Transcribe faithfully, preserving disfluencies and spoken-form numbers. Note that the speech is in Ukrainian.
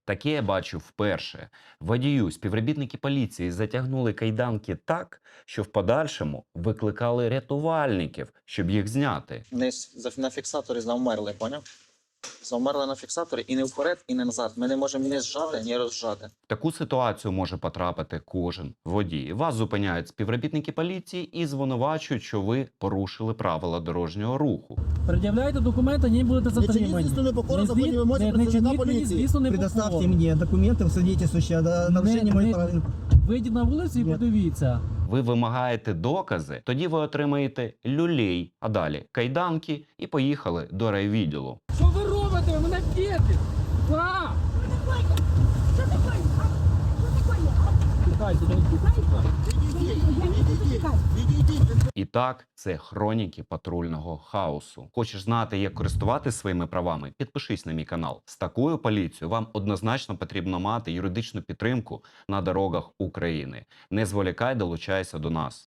Таке я бачу вперше. Водію співробітники поліції затягнули кайданки так, що в подальшому викликали рятувальників, щоб їх зняти. Не з- на фіксаторі завмерли, поняв? Завмерли на фіксаторі і не вперед, і не назад. Ми не можемо ні зжати, ні розжати. В таку ситуацію може потрапити кожен водій. Вас зупиняють співробітники поліції і звинувачують, що ви порушили правила дорожнього руху. Пред'являйте документи, ні будете Не чиніть затримані. звісно непокору Не законній звід- вимозі не- не працівника чиніть мені, поліції. звісно, не Предоставьте покору. мне документы в свидетельствующие о нарушении Не- моих не- прав. Вийдіть на вулицю і Ні. подивіться. Ви вимагаєте докази, тоді ви отримаєте люлей, а далі кайданки і поїхали до райвідділу. Що ви робите? Ви мене б'єте! Па! Что такое? Что такое? Тікайте, тікайте. Я не буду тікати. І так, це хроніки патрульного хаосу. Хочеш знати, як користуватися своїми правами? Підпишись на мій канал. З такою поліцією вам однозначно потрібно мати юридичну підтримку на дорогах України. Не зволікай, долучайся до нас.